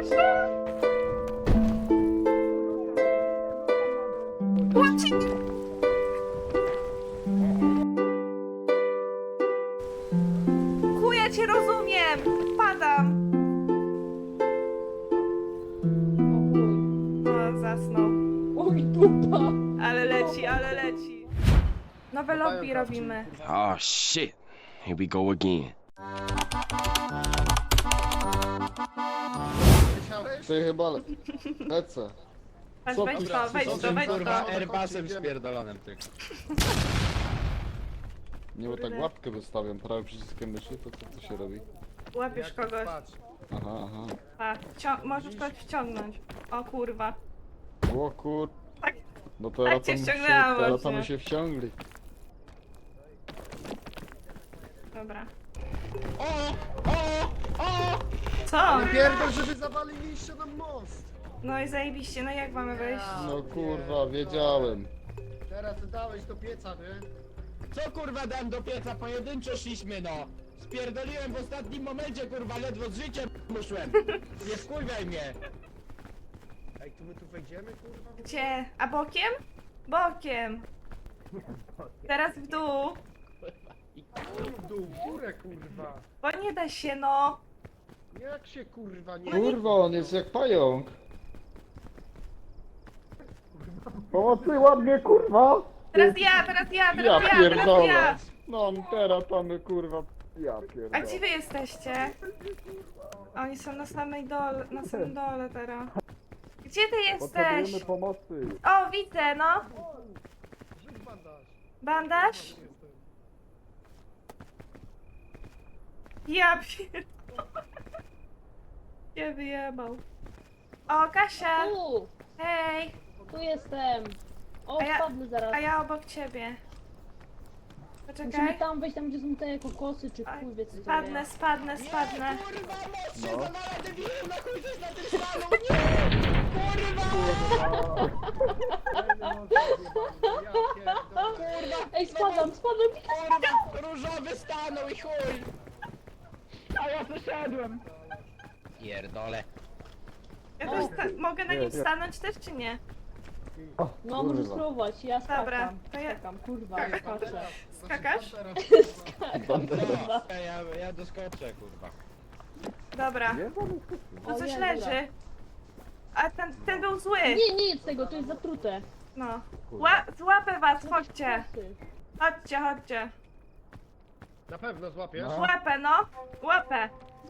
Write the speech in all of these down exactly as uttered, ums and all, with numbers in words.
Kasia! Łapcie mnie! Chuja cię rozumiem! Padam! O, zasnął. Oj, dupa! Ale leci, ale leci. Nowe lobby robimy. Oh shit. Here we go again. Ty chyba le- lecę. Weź, Co weź ty- to, weź co to, ty, weź kurwa, to. Airbusem spierdolonym tylko. Nie, bo tak łapkę wystawiam prawym przyciskiem myszy, to co to się robi? Łapiesz kogoś. Aha, aha. A, wcią- możesz kogoś wciągnąć. O kurwa. O kur... Tak, No teraz cię to my się, ściągnęłam teraz to właśnie. my się wciągli. dobra. O! O! O! Co? Pierdol, żeby zawaliliście nam most! No i zajebiście, no jak mamy wejść? No kurwa, wiedziałem. Teraz dałeś do pieca, nie? Co kurwa dam do pieca? Pojedynczo szliśmy no! Spierdoliłem w ostatnim momencie kurwa, ledwo z życiem muszłem! Nie wkurwiaj mnie! Ej, tu my tu wejdziemy, kurwa? Gdzie? A bokiem? Bokiem. Teraz w dół. W dół, w górę, kurwa! Bo nie da się, no. Jak się, kurwa, nie... Kurwa, on jest jak pająk. Pomocy, ładnie kurwa! Teraz ja, teraz ja, Ja teraz ja, teraz pierdolę. ja. No teraz to my kurwa... Ja A pierdolę. gdzie wy jesteście? Oni są na samej dole, na samym dole teraz. Gdzie ty jesteś? pomocy. O, widzę, no. Rzuć bandaż. Bandaż? Ja pier... Nie wyjebał. O, Kasia! Tu! Hej! Tu jestem! O, A ja- spadnę zaraz. A ja obok ciebie. Musimy Poczekaj. tam wejść, tam gdzie są te kokosy, czy chuj wie co to Spadnę, jest. spadnę, spadnę. Kurwa, most się No. zawala debilu, na chuj coś na tym stanął, nie! Kurwa! Ja pierdolę. Kurwa! Ej, spadam, spadam! Kurwa! Różowy stanął i chuj! A ja wyszedłem! Pierdole. Ja też sta- mogę na Nie, nim nie. stanąć też, czy nie? No, możesz spróbować, ja skakam. Dobra, to ja- Skakam, kurwa, skaczę. Skakasz? Skakam, kurwa. No, ja, ja doskoczę, kurwa. Dobra. O, Tu coś nie, leży. A ten, ten był zły. Nie, nie jedz tego, to jest zatrute. No. Ła złapę was, chodźcie. Kokosy. Chodźcie, chodźcie. Na pewno złapiesz? No. Łapę, no. Łapę.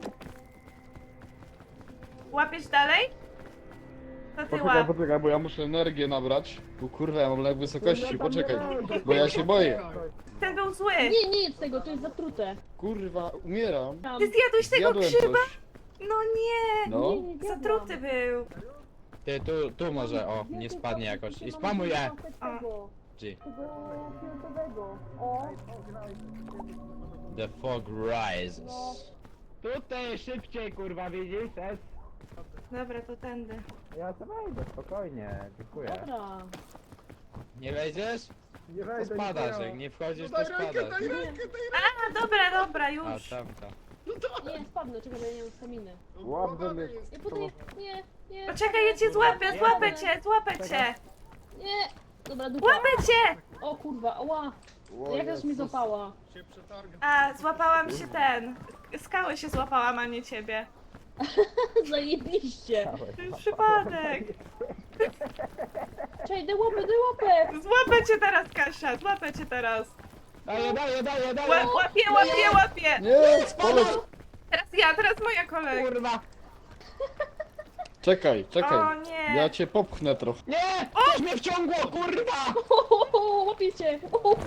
Łapiesz dalej? To ty Poczekaj, łap. poczekaj, bo ja muszę energię nabrać. Tu kurwa, ja mam lek wysokości, poczekaj. Bo ja się boję. Ten był zły. Nie, nie jedz tego, to jest zatrute. Kurwa, umieram. Tam. Ty zjadłeś tego Zjadłem grzyba? coś. No nie. No. Nie, nie zjadłam. Zatruty był. Ty, tu, tu może, o, nie tylko- spadnie jakoś. I tylko spamuję! mam tego, G. tego fioletowego. O, The fog rises. Tutaj szybciej, kurwa, widzisz? Es? Dobra, to tędy. Ja to wejdę, spokojnie, dziękuję. dobra. Nie wejdziesz? Nie To wejdę, spadasz, nie jak nie wchodzisz, No to daj rękę, spadasz. daj rękę, daj A, dobra, dobra, A, już. tamta. Nie, spadnę, czekaj, bo ja nie mam staminy. rękę. Łapę mnie. Ja potem, nie, nie. Poczekaj, ja cię złapię, złapę cię, złapę cię. Nie! Dobra, dupa. Łapę cię! O kurwa, ała! O Jakaś mi Jezus. złapała. Się przetargam. A, złapałam się ten. Skały się złapałam, a nie ciebie. Zajebiście! To jest przypadek. Czekaj, daj łapę, daj łapę! Złapę cię teraz, Kasia, złapę cię teraz. Daję, daję, daję, daję! Ła łapię, łapię, łapię. Nie, poleć. Teraz ja, teraz moja kolej. Kurwa! Czekaj, O czekaj. nie. Ja cię popchnę trochę. Nie! Coś mnie wciągło, kurwa! Łapię cię!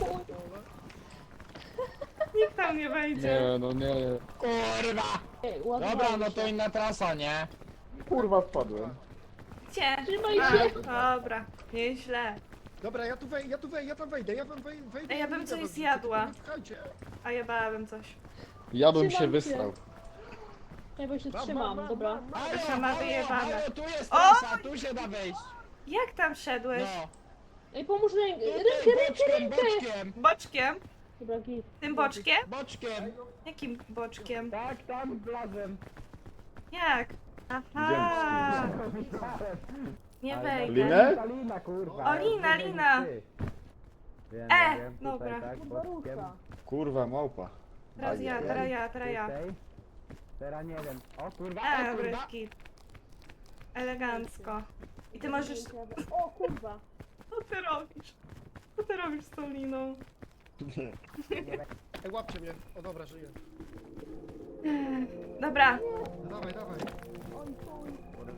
Nikt tam nie wejdzie. Nie, no nie. Kurwa! Ej, ładnie Dobra, bawię no to się. inna trasa, nie? Kurwa, spadłem. Gdzie? Trzymaj A, się. dobra, nieźle. Dobra, ja tu wejdę, ja tu wejdę, ja tam wejdę, ja tam wej- wejdę. Ej, ja bym i coś was- zjadła. Nie pchajcie. A ja bałabym coś. Ja bym się Trzymam cię. wysrał. Ja bo się Mam, trzymam, mam, mam, dobra. mam, mam. Kasia ma wyjebane. halo, tu jest O! trasa, tu się da wejść. Jak tam szedłeś? No. Ej, pomóż rękę, Tutaj, rękę, rękę, boczkiem, rękę! boczkiem, Boczkiem? Dobra, git. Tym boczkiem? boczkiem. Jakim boczkiem? Tak, tam wlazłem. Jak? Aha! Nie wejdę. Linę? Lina, kurwa. O, Lina, Lina. Wiem, E, wiem, dobra. Tutaj, tak, Kurwa boczkiem. rusza. Kurwa, małpa. Teraz ja, teraz ja, teraz ja. Tutaj. Teraz nie wiem. O kurwa, E, o kurwa. bryski. Elegancko. I ty możesz... O kurwa. Co ty robisz? Co ty robisz z tą liną? Ej, łapcie mnie. O dobra, żyję. Dobra, Dawaj, dawaj. Oj, chuj.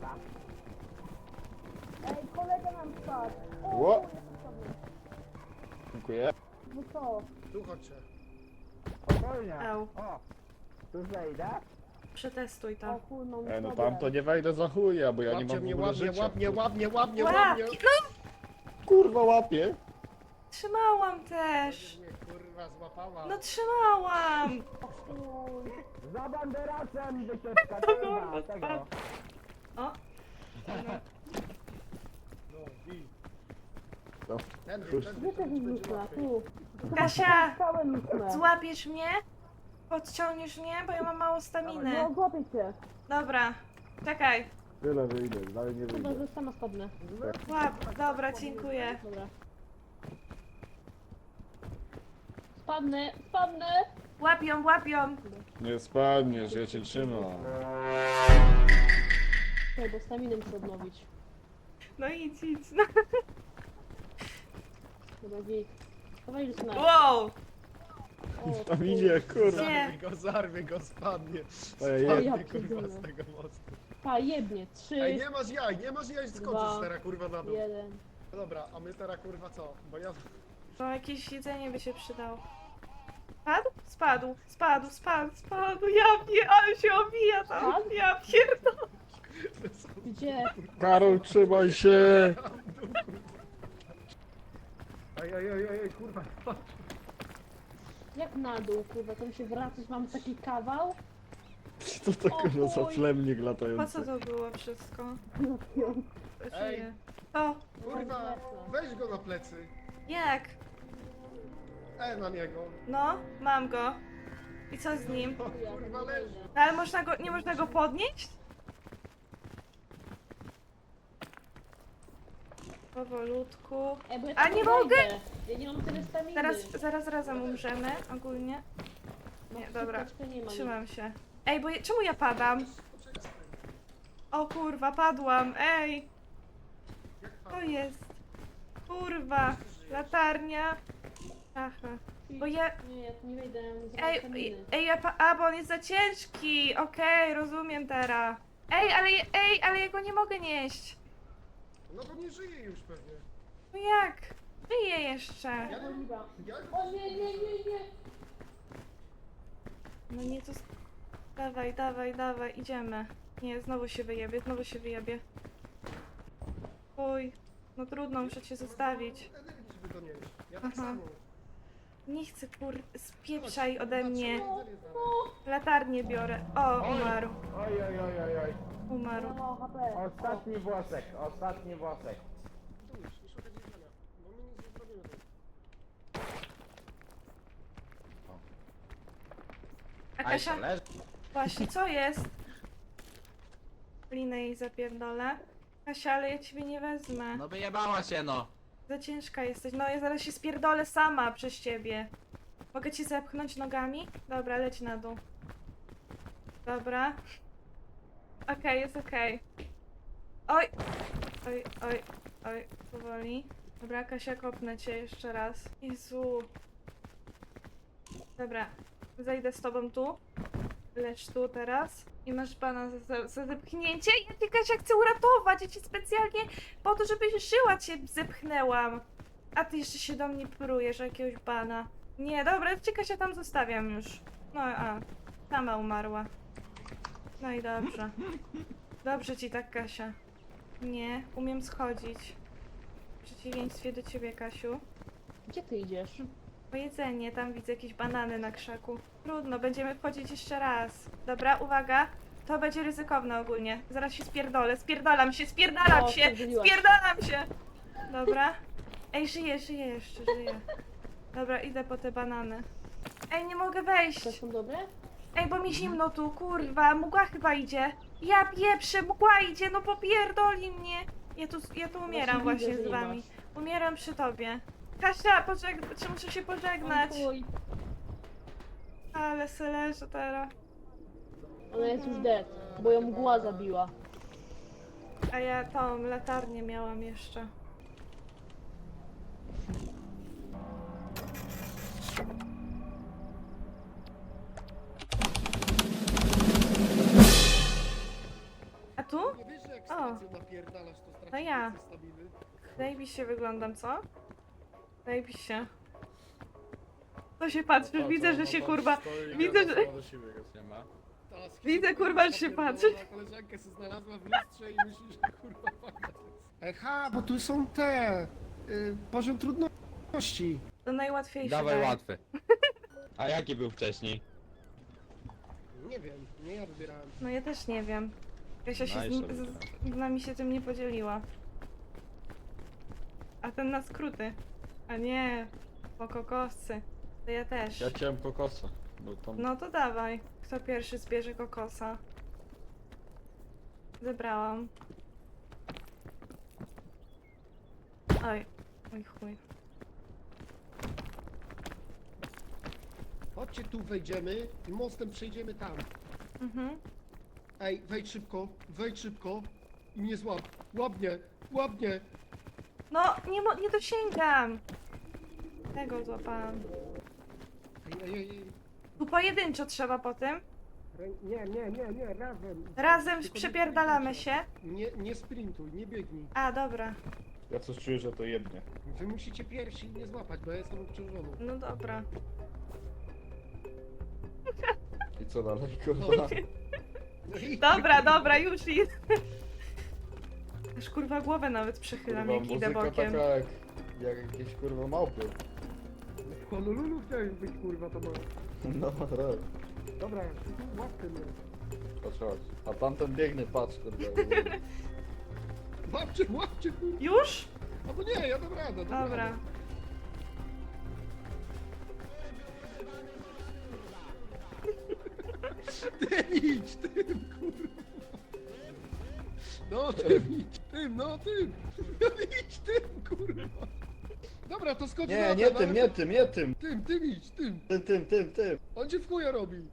Ej, kolega nam spadł. O, Ło. chuj, jestem sobie. Dziękuję. No co? Tu chodźcie. Spokojnie. Au. O, tu zejdę. przetestuj O to. chuj, mam E, no sobie. tam to nie wejdę za chuja, bo ja nie Łapcie mam w mnie, ogóle łapnie, życia. łapnie, łapnie, łapnie, Łap! łapnie. No, Kurwa, łapie. trzymałam też. Mnie kurwa złapała. No trzymałam. Chuj. Za banderacem wycieczka, To kurwa, kurwa tego. spadł. O. No. No, bij. No. Tędy, Cóż. tędy, Gdzie to też będzie myślę? łatwiej. Tu. Kasia, Całe myślę. złapiesz mnie? Podciągniesz mnie, bo ja mam mało staminy. No, złapię cię. Dobra, czekaj. Tyle wyjdę, dalej nie Chyba, wyjdę. że sama spadnę. Łap, dobra, dziękuję. Dobra. Spadnę, spadnę! Łapią, łapią. Nie spadniesz, ja cię trzymam. Czekaj, bo staminę muszę odnowić. No idź, idź. No. Dobra, git. Dawaj, Lucyna. Wow. O, Tam idzie, kurwa. Nie. Zarwie go, zarwie go, spadnie. Ojej. Ja Spadnie kurwa pierdolę. z tego mostu. Pa, jebnie. Trzy, Ej, nie masz jaj, nie masz jaj, skoczysz Dwa. teraz kurwa na dół. jeden. No dobra, a my teraz kurwa co? Bo ja... To jakieś jedzenie by się przydało. Spadł? Spadł, spadł, spadł, spadł. Ja pie... ale się obija tam. Spadł? Ja pierdolę. Gdzie? Karol, trzymaj się! Ej, ej, ej, ej, kurwa. Jak na dół, kurwa, to mi się wracać, mam taki kawał? Co to kurwa za O chuj. plemnik Po latający? co to było wszystko? Ej. Żyję. To, Kurwa, weź go na plecy. jak? E, na niego. No, mam go. I co z nim? O, kurwa, leży. No, ale można go, nie można go podnieść? Powolutku. Ej, bo ja A tam nie wejdę. mogę! Ja nie mam tyle staminy. Teraz, zaraz razem umrzemy, ogólnie. Nie, dobra. Szybkaczkę nie ma. Trzymam się. Ej, bo je, czemu ja padam? O kurwa, padłam, ej! To jest. Kurwa, latarnia. Aha. Bo ja... Nie, ja tu nie wejdę, ja mam zero Ej, staminy. ej, ja pa... A, bo on jest za ciężki. Okej, rozumiem teraz. Ej, ale, je- ej, ale ja go nie mogę nieść. No bo nie żyje już pewnie. No jak? Żyję jeszcze. Ja, Oliwa. ja... O nie, nie, nie, nie! No nie, to... Dawaj, dawaj, dawaj, idziemy. Nie, znowu się wyjebie, znowu się wyjebie. Oj, no trudno, muszę cię zostawić. Energii, żeby to nieść. Ja tak Aha. samo. Nie chcę, kur... Spieprzaj ode mnie. Patrzę, jedzenie znaleźć. Latarnię biorę. O, umarł. Oj, oj, oj, oj, oj. Umarł. Ja mam H P. Ostatni włosek, ostatni włosek. Tu już, nie szukać jedzenia. Bo my nic nie zrobimy tu. A Kasia? Właśnie, co jest? Linę jej zapierdolę. Kasia, ale ja ciebie nie wezmę. No wyjebała się no. Za ciężka jesteś. No ja zaraz się spierdolę sama przez ciebie. Mogę ci zepchnąć nogami? Dobra, leć na dół. Dobra. Okej, jest okej. Oj! Oj, oj, oj, powoli. Dobra, Kasia, kopnę cię jeszcze raz. Jezu. Dobra, zejdę z tobą tu. Lecz tu teraz. I masz pana za, za, za zepchnięcie. Ja cię, Kasia, chcę uratować. Ja cię specjalnie po to, żebyś żyła, cię zepchnęłam. A ty jeszcze się do mnie prujesz, jakiegoś bana. Nie, dobra, cię, Kasia, tam zostawiam już. No, a. Sama umarła. No i dobrze. Dobrze ci tak, Kasia. Nie, umiem schodzić. W przeciwieństwie do ciebie, Kasiu. Gdzie ty idziesz? Po jedzenie, tam widzę jakieś banany na krzaku. Trudno, będziemy wchodzić jeszcze raz. Dobra, uwaga. To będzie ryzykowne ogólnie. Zaraz się spierdolę, spierdalam się, spierdalam O, się, spierdzieliłaś. spierdalam się. Dobra. Ej, żyję, żyję jeszcze, żyję. Dobra, idę po te banany. Ej, nie mogę To wejść. są dobre? Ej, bo mi zimno tu, kurwa, mgła chyba idzie. Ja pieprzę, mgła idzie, no popierdoli mnie. Ja tu, ja tu umieram Właśnie właśnie widzę, że z nie wami. masz. Umieram przy tobie. Kasia, pożeg... czy muszę się pożegnać? Oj, Ale se leżę teraz. ona jest już dead, bo ją mgła zabiła. A ja tą latarnię miałam jeszcze. A tu? Nie wiesz, że jak O. stację napierdalasz, to stracisz No ja. więcej staminy? Zajebiście wyglądam, co? Zajebiście. To się patrzysz, widzę, że się kurwa... Widzę, że... Ta Widzę, kurwa, że się napierdolona patrzy. koleżankę się znalazła w lustrze i myślisz, że kurwa fajna to jest. Eha, bo tu są te... Y, poziom trudności. To najłatwiejsze. Dawaj daj. łatwy. A jaki był wcześniej? Nie wiem, nie ja wybierałem. No ja też nie wiem. Kasia się No z, i nim, sobie z, z nami się tym nie podzieliła. A ten na skróty. A nie, po kokoscy. To ja też. Ja chciałem kokosa. Bo tam... No to dawaj. Kto pierwszy zbierze kokosa? Zebrałam. Oj, oj chuj. Chodźcie tu, wejdziemy i mostem przejdziemy tam. Mhm. Ej, wejdź szybko, wejdź szybko i mnie złap. Łap mnie, łap mnie. No, nie, mo- nie dosięgam. Tego złapałam. Ej, ej, ej, ej. Tu pojedynczo trzeba po tym. Rę- Nie, nie, nie, nie, razem. Razem Tylko nie przepierdalamy sprintujcie. się. Nie, nie sprintuj, nie biegnij. A, dobra. Ja coś czuję, że to jednie. Wy musicie pierwsi mnie złapać, bo ja jestem obciążony. No dobra. I co dalej, kurwa? Dobra, dobra, już jest. Aż kurwa głowę nawet przechylam, Kurwa, jak idę muzyka bokiem. taka jak, jak jakieś kurwa małpy. W Honolulu chciałeś być, kurwa, to ma. No, tak. Dobra, łapcie mnie. Patrz, chodź. A tamten biegnie, patrz, kurwa. Łapcie, łapcie, kurwa. Już? Albo nie, ja dam radę, dam Dobra. radę. Tym idź, tym, kurwa. No, tym idź, tym, no, tym. No, idź, tym, kurwa. Dobra, to skocz Nie, na nie ten, tym, ale nie to- tym, nie tym. Tym, tym idź, tym. Tym, tym, tym, tym. On cię w chuja robi.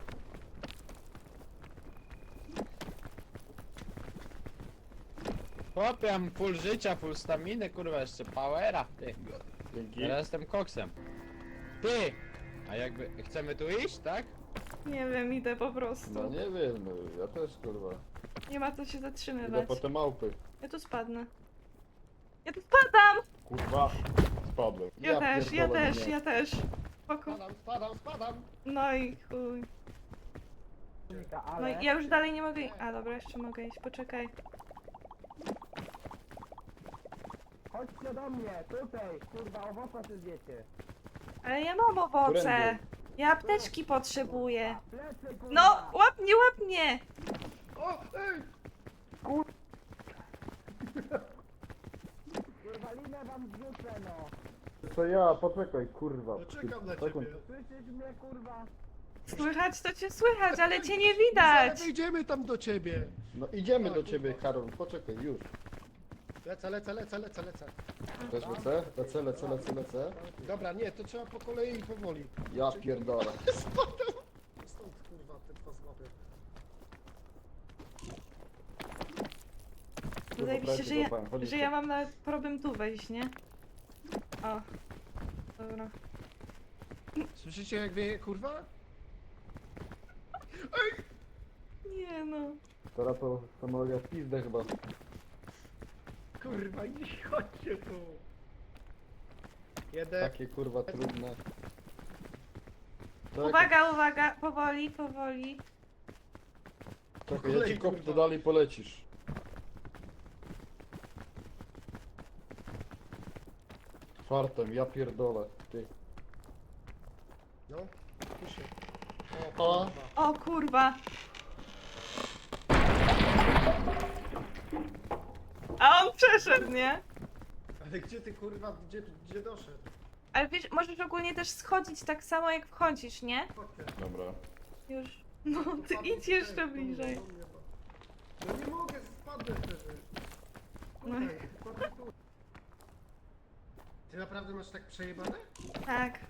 Chłopie, mam full życia, full staminy, kurwa, jeszcze powera, ty. Dzięki. Teraz jestem koksem. Ty! A jakby, chcemy tu iść, tak? Nie wiem, idę po prostu. No nie wiem, no, ja też kurwa. Nie ma co się Idę zatrzymywać. po te małpy. Ja tu spadnę. Ja tu spadam! Kurwa, spadłem. Ja, też, ja pierdolę, też, nie. ja też. Spoko. Spadam, spadam, spadam. No i chuj. No i ja już dalej nie mogę. A dobra, jeszcze mogę iść, poczekaj. Chodźcie do mnie, tutaj, kurwa, owoca się zjecie. Ale ja mam owoce. Którędy? Ja apteczki potrzebuję. Plecy, kurwa. No, łap mnie, łap mnie! O, ej! Kurwa, linę wam zrzucę, no. To ja, poczekaj, kurwa. No czekam na Sekund. ciebie. Słyszysz mnie, kurwa? Słychać to cię słychać, ale cię nie Zaraz widać. wejdziemy tam do ciebie. No idziemy do ciebie, Karol, poczekaj, już. Lecę, lecę, lecę, lecę, lecę. Też lecę? Lecę, lecę, lecę, lecę. Dobra, nie, to trzeba po kolei i powoli. Ja pierdolę. Spadam! Stąd kurwa, ten pas złapię. Zajebiście, że ja, Złapałem, chodźcie. że ja mam nawet problem tu wejść, nie? O. Dobra. Słyszycie jak wieje kurwa? Nie no. Teraz to samologia w pizdę chyba. Kurwa, nie chodźcie tu. Jeden. Takie kurwa trudne. Czekaj, Uwaga, uwaga, powoli, powoli. czekaj, ja ci kopnę, dalej polecisz. Czwartem, ja pierdolę. Ty. No, tu się. O. kurwa. O kurwa. A on przeszedł, nie? Ale gdzie ty kurwa, gdzie, gdzie doszedł? Ale wiesz, możesz ogólnie też schodzić tak samo jak wchodzisz, nie? Chodźcie. Dobra. Już. No, ty idź jeszcze bliżej. No nie mogę, spadnę wtedy. Tutaj, spadnę tu. Ty naprawdę masz tak przejebane? Tak.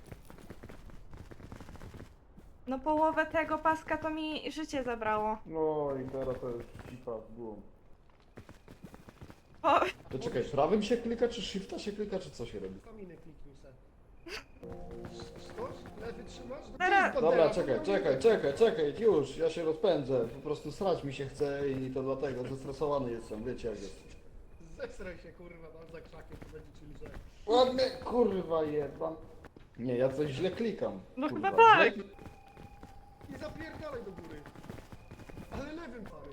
No połowę tego paska to mi życie zabrało. No i teraz to jest cipa w głąb. O, To czekaj, prawym się klika, czy shifta się klika, czy co się robi? Kominy kliknij se. Stoż? Lewy trzymasz? No Teraz- to jest Dobra, bandera, czekaj, to czekaj, czekaj, czekaj, już, ja się rozpędzę. Po prostu srać mi się chce i to dlatego, zestresowany jestem, wiecie jak jest. Zesraj się kurwa, mam za krzakiem, to będzie ci lżej. Ładnie, kurwa jebam. Nie, ja coś źle klikam. No kurwa, chyba tak. źle- I zapierdalaj do góry. Ale lewym pary.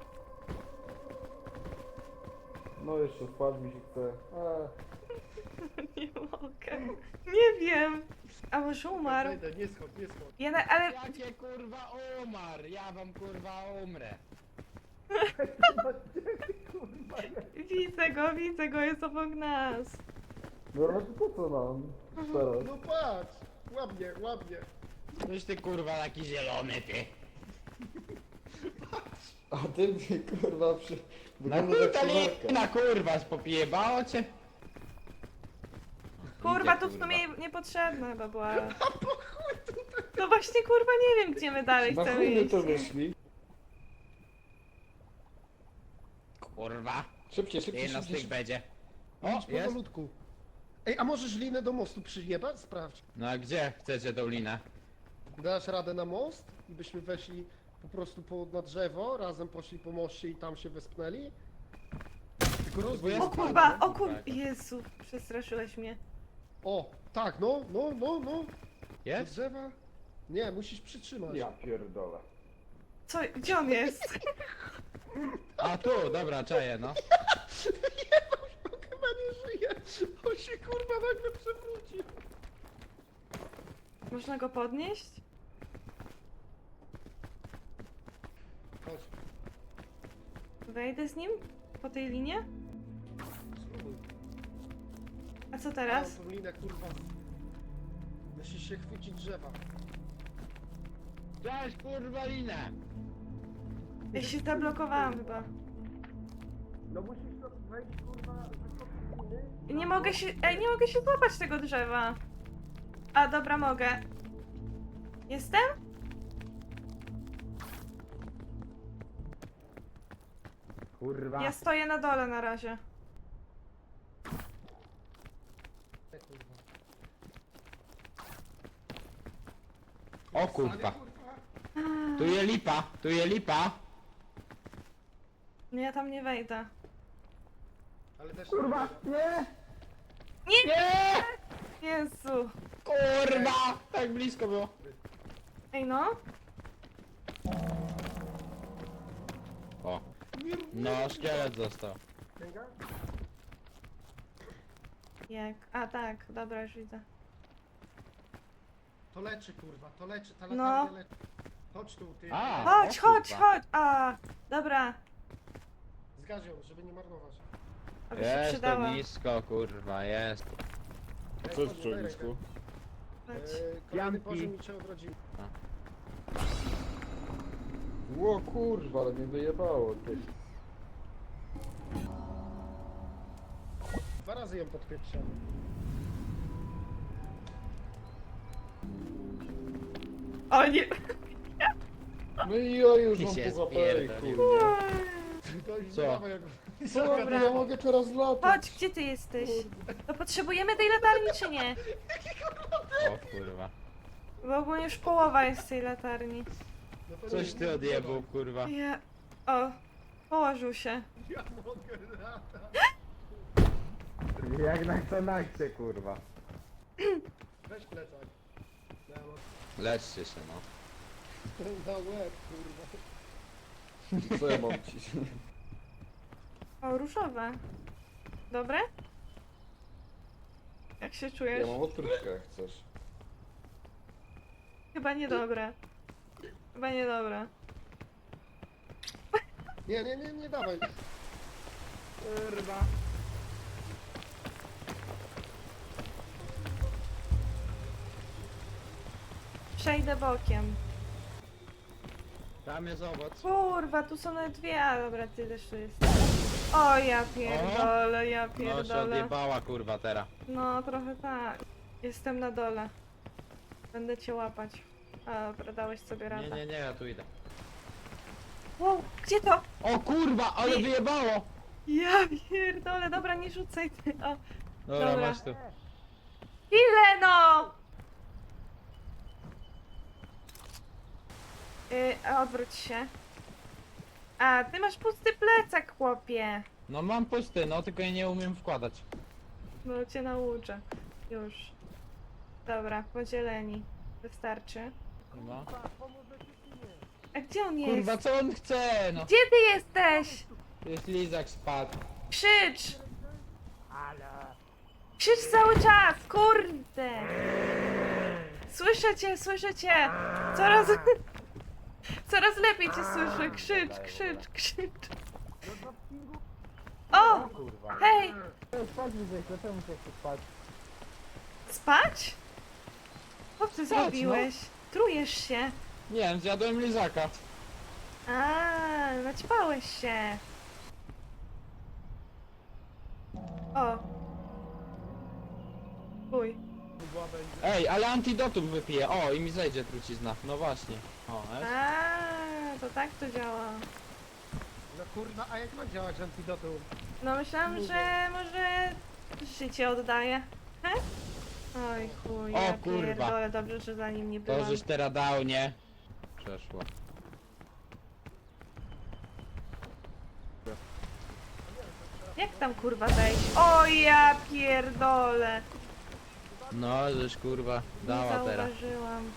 No jeszcze spać mi się chce. Eee. nie mogę. Nie wiem. A może umarł? Zejdę, nie schodź, nie schodź. Ja na, ale Jakie kurwa umarł? Ja wam kurwa umrę. widzę go, widzę go, jest obok nas. No ale to po co nam teraz? No patrz, ładnie, ładnie. Coś ty kurwa taki zielony ty. A ty mi kurwa przy... Na Wygląda jak kurwa solarka. na kurwa spopijebało cię? Kurwa, Idę, tu w kurwa. sumie niepotrzebna chyba była. No właśnie, kurwa, nie wiem, gdzie my dalej Na chcemy chuj my iść. to wyszli. Kurwa. Szybciej, szybciej, Jedna z tych szybciej. będzie. O, Idź jest. powolutku. Ej, a możesz linę do mostu przyjebać? Sprawdź. No a gdzie chcecie tą linę? Dasz radę na most i byśmy weszli po prostu po, na drzewo, razem poszli po moście i tam się wespnęli? Tylko rozwój O jest kurwa, fajny. o kur... Jezu, przestraszyłeś mnie. O, tak, no, no, no, no. Do Jest? drzewa? Nie, musisz przytrzymać. Ja pierdolę. Co, gdzie on jest? A tu, dobra, czaję no. On chyba nie żyje. On się kurwa nagle przewrócił. Można go podnieść? Chodź, Wejdę z nim? Po tej linie? spróbuj. A co teraz? Mam tą linę, kurwa. Musisz się chwycić drzewa. Cześć kurwa linę. Ja się zablokowałam chyba. No musisz to wejść, kurwa, wysoko liny. Nie mogę się... Ej, nie mogę się złapać tego drzewa. A, dobra, mogę. Jestem? Kurwa. Ja stoję na dole na razie. Nie, kurwa. O kurwa. Ale, kurwa. Tu je lipa, tu je lipa. Nie, ja tam nie wejdę. Ale też Kurwa, nie! Nie! Jezu. Kurwa! Tak blisko było. Ej, no. O. No, szkielet został. Księga? Jak? A, tak, dobra, już widzę. To leczy, kurwa, to leczy, ta No. latarnia leczy. Chodź tu, ty. A. Chodź, o chodź, kurwa. chodź! A, dobra. Zgaś ją, żeby nie marnować. Aby się Jest to przydała. blisko, kurwa, jest. Ej, Co jest chodź, w daj czołgisku? rękę. Chodź. Eee, kolejny Janki. poziom i cię odrodzimy. Ło kurwa, ale mnie wyjebało, ty. Dwa razy ją podpieprzamy. O nie! No i ja już Ty mam się pół H P, spierdolił. kurwa. To już Co? dawaj, jak... Co, ja mogę teraz latać? Chodź, gdzie ty jesteś? To potrzebujemy tej latarni, czy nie? O kurwa. Bo ogólnie już połowa jest tej latarni. No to Coś nie- ty nie odjebał, kurwa. Ja... O, położył się. Ja mogę latać. Jak na Xanaxie, kurwa. Weź plecak. Ja mam Leczcie się, no. na łeb, kurwa. Co ja mam ci? O, różowe. Dobre? Jak się czujesz? Ja mam odkrywkę, jak chcesz. Chyba niedobre. Chyba niedobre. Nie, nie, nie, nie dawaj. Kurwa. Przejdę bokiem. Tam jest owoc. Kurwa, tu są nawet dwie, a dobra, ty też tu jesteś. O, ja pierdolę, ja No się pierdolę. odjebała kurwa teraz. No, trochę tak. Jestem na dole. Będę cię łapać. A, dobra, dałeś sobie Nie, radę. nie, nie, ja tu idę. Wow, gdzie to? O kurwa, ale Nie. wyjebało! Ja pierdolę, dobra, nie rzucaj ty. O, Dobra, Dobra. masz tu. ile no! Yy, a odwróć się. A, ty masz pusty plecak, chłopie. No mam pusty, no tylko ja nie umiem wkładać. No cię nauczę. Już. Dobra, podzieleni. Wystarczy. Kurwa. A gdzie on jest? Kurwa, co on chce, no? Gdzie ty jesteś? Jest lizak spadł. Krzycz! Krzycz cały czas, kurde! Słyszę cię, słyszę cię! Coraz... Coraz lepiej cię słyszę. Krzycz, krzycz, krzycz. O! Kurwa. Hej! Spać zwykle, czemu się chce spać? Spać? Co ty Spać, zrobiłeś? Trujesz się. Nie wiem, zjadłem lizaka. A, naćpałeś się. O. Uj. Ej, ale antidotum wypiję. O, i mi zejdzie trucizna. No właśnie. O, jest. A, to tak to działa. No kurwa, a jak ma działać antidotum? No myślałam, że może życie oddaje. He? Oj chuj, O, ja kurwa. pierdolę, dobrze, że za nim nie To byłam. żeś teraz dał, nie? Przeszło. Jak tam kurwa wejść? O ja pierdolę! No, żeś kurwa Nie dała teraz. zauważyłam.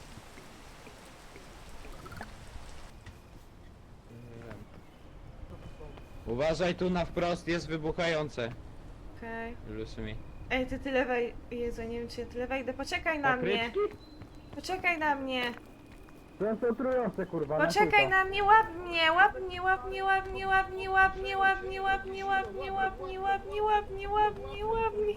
Uważaj, tu na wprost jest wybuchające. Okej. Lucy mi. Ej, ty tyle wej... Jezu, nie wiem czy ja tyle wejdę. Poczekaj na mnie. Poczekaj na mnie. Koncentrujące kurwa, Poczekaj na mnie, łap mnie, łap mnie, łap mnie, łap mnie, łap mnie, łap mnie, łap mnie, łap mnie, łap mnie, łap mnie, łap mnie, łap mnie, łap mnie, łap mnie.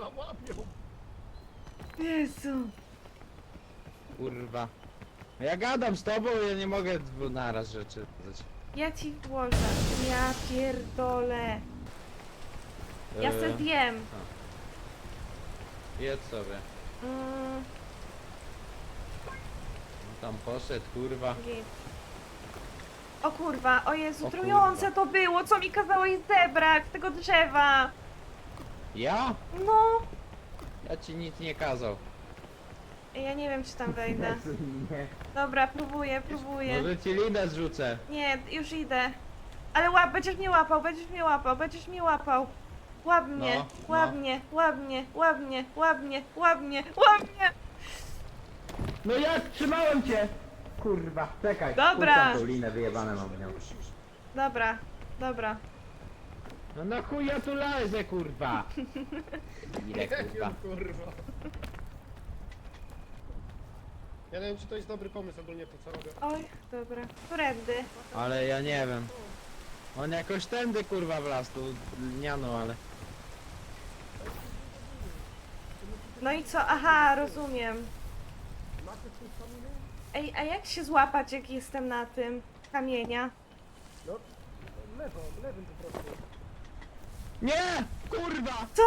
Jezu. Kurwa. Ja gadam z tobą, ja nie mogę dwu naraz rzeczy dać. Ja ci włożę. Ja pierdolę. Ja Eee, se wiem. Jedz sobie. Mm, Tam poszedł, kurwa. git. O kurwa, o Jezu, O trujące to było, co mi kazałeś zebrać z tego drzewa. Ja? No. Ja ci nic nie kazał. Ej, ja nie wiem czy tam wejdę. Dobra, próbuję, próbuję. Może ci linę zrzucę. Nie, już idę. Ale łap, będziesz mnie łapał, będziesz mnie łapał, będziesz mnie łapał. Łap mnie, No, łap no. mnie, łap mnie, łap mnie, łap mnie, łap mnie, łap mnie. No ja trzymałem cię! Kurwa, czekaj. Dobra. Puszczam tą linę, wyjebane mam nią. Dobra, dobra. No na chuj ja tu lezę, kurwa. Ile kurwa. Kurwa. Ja nie wiem, czy to jest dobry pomysł ogólnie to, co robię. Oj, dobra. Którędy? Ale ja nie wiem. On jakoś tędy kurwa wlazł, tu lniano, ale... No i co? Aha, rozumiem. Ej, a jak się złapać, jak jestem na tym kamienia? Lewo, lewym po prostu. Nie! Kurwa! Co?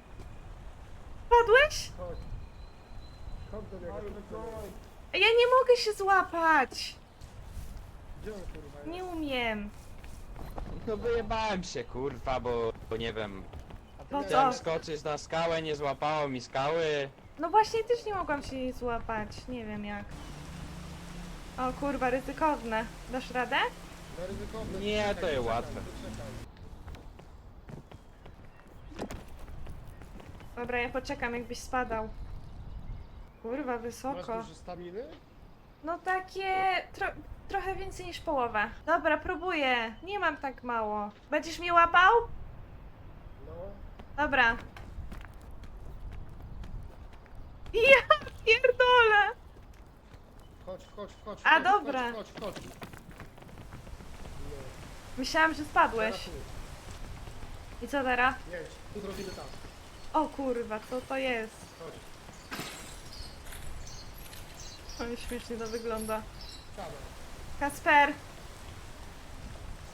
Padłeś? Chodź. Chodź do niego, chodź do niego. Ja nie mogę się złapać. Gdzie on kurwa jest? Nie umiem. No wyjebałem się kurwa, bo, bo nie wiem. A ty No miałeś- Chciałem co? skoczyć na skałę, nie złapało mi skały. No właśnie też nie mogłam się jej złapać. Nie wiem jak. O kurwa, ryzykowne. Dasz radę? No ryzykowne. Nie, Czekaj, to jest czekaj, łatwe. czekaj. Dobra, ja poczekam jakbyś spadał. Kurwa, Masz wysoko. dużo staminy? No takie... Tro trochę więcej niż połowę. Dobra, próbuję. Nie mam tak mało. Będziesz mnie łapał? No. Dobra. Ja pierdolę! Chodź, chodź, chodź. A, chodź, dobra. Chodź, chodź, chodź. Myślałam, że spadłeś. Teraz tu. I co teraz? Jedź, tu zrobimy tak. O kurwa, co to jest? Chodź. O, śmiesznie to wygląda. Siadaj. Kasper,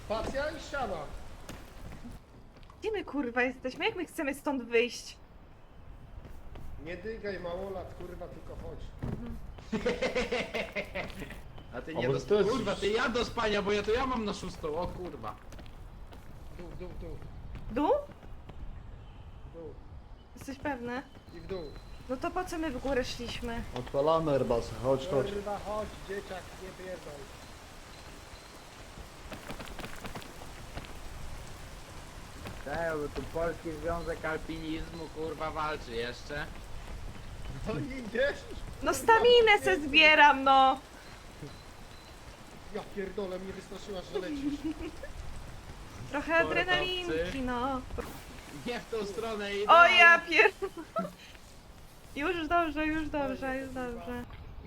Spacja i ściana. Gdzie my kurwa jesteśmy? Jak my chcemy stąd wyjść? Nie dygaj małolat, kurwa, tylko chodź. A ty A nie może do... to jest- Kurwa, ty ja do spania, bo ja to ja mam na szóstą, o kurwa. Dół, dół, dół, Dół? dół. Jesteś pewny? I w dół. No to po co my w górę szliśmy? Odpalamy Airbus, chodź, chodź. Kurwa, chodź, dzieciak, nie pierdol. Tak, bo tu Polski Związek Alpinizmu kurwa walczy jeszcze. No i idziesz? No staminę se zbieram, no! Ja pierdolę, mnie wystraszyłaś, że lecisz. Trochę Sportowcy. adrenalinki, no. Nie w tą stronę idę. O ja pier... Już dobrze, już dobrze, już dobrze.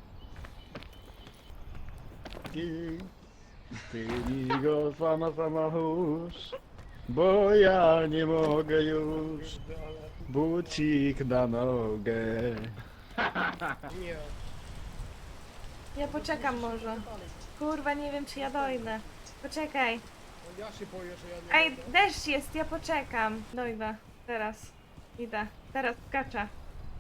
I ty mi go sama sama chórz, bo ja nie mogę już. Bucik na nogę. Nie. Ja poczekam może. Kurwa, nie wiem czy ja dojdę. Poczekaj. No ja się boję, że ja nie Ej, mogę. deszcz jest, ja poczekam. Dojdę. Teraz. Idę. Teraz skaczę.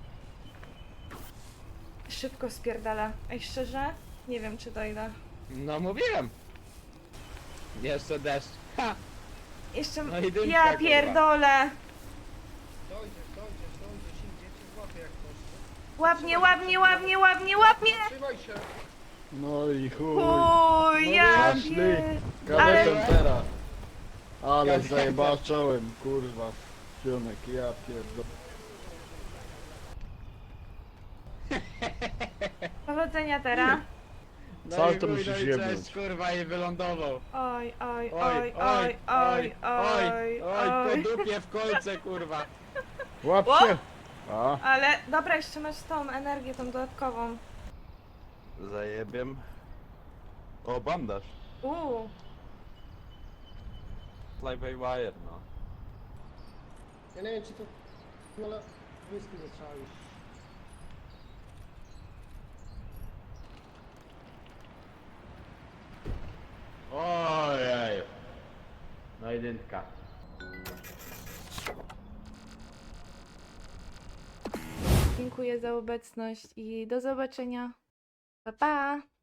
Szybko spierdala. Ej, szczerze? Nie wiem czy dojdę. No mówiłem. Jeszcze deszcz. Ha! Jeszcze... No i dymka, Ja kurwa. pierdolę! Dojdziesz, dojdziesz, dojdziesz, im dzieci złapie jak coś. Łapnie, łapnie, łapnie, łapnie, łapnie! Trzymaj się. No i chuj. Uj, ja Poszli. pier... Kametem Ale- teraz. Ale Kametem. zajebaczałem, kurwa. Fionek, ja pierdolę. Powodzenia teraz. No Co i to chuj, musisz no i jebnąć? cześć, kurwa i wylądował. Oj, oj, Oj, oj, oj, oj, oj, oj, oj. po dupie w kolce, kurwa. Łap O! się! A, Ale dobra, jeszcze masz tą energię, tą dodatkową. Zajebiem. O, bandaż. Uuu. Fly by wire, no. Ja nie wiem, czy to... No ale... Whisky zaczęłeś. Ojej. No i dynka. Dziękuję za obecność i do zobaczenia. Pa, pa!